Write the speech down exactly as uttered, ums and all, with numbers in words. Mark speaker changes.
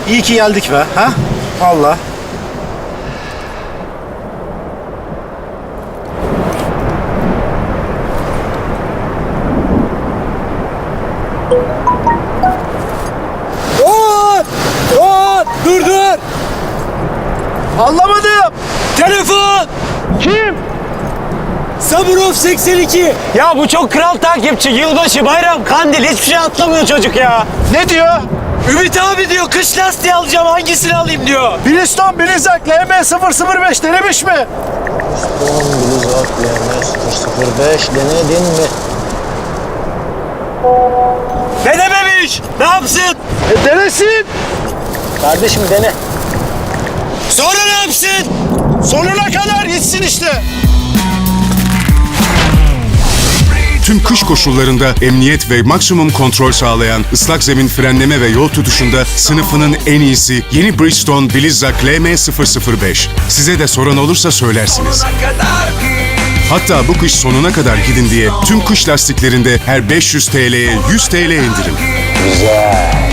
Speaker 1: İyi ki geldik be. Ha? Vallahi.
Speaker 2: Oo! Oo! Dur dur!
Speaker 1: Anlamadım.
Speaker 2: Telefon!
Speaker 1: Kim?
Speaker 2: Saburov seksen iki.
Speaker 3: Ya bu çok kral takipçi. Yılbaşı, bayram, kandil hiçbir şey atlamıyor çocuk ya.
Speaker 1: Ne diyor?
Speaker 2: Ümit abi diyor kış lastiği alacağım hangisini alayım diyor.
Speaker 1: Bridgestone Blizzak L M sıfır sıfır beş denemiş mi?
Speaker 4: Blizzak L M sıfır sıfır beş denedin mi?
Speaker 2: Denememiş. Ne yapsın?
Speaker 1: E denesin.
Speaker 4: Kardeşim dene.
Speaker 2: Sonra ne yapsın?
Speaker 1: Sonuna kadar gitsin işte.
Speaker 5: Tüm kış koşullarında emniyet ve maksimum kontrol sağlayan ıslak zemin frenleme ve yol tutuşunda sınıfının en iyisi yeni Bridgestone Blizzak L M sıfır sıfır beş. Size de soran olursa söylersiniz. Hatta bu kış sonuna kadar gidin diye tüm kış lastiklerinde her beş yüz TL'ye yüz TL indirim.
Speaker 4: Güzel.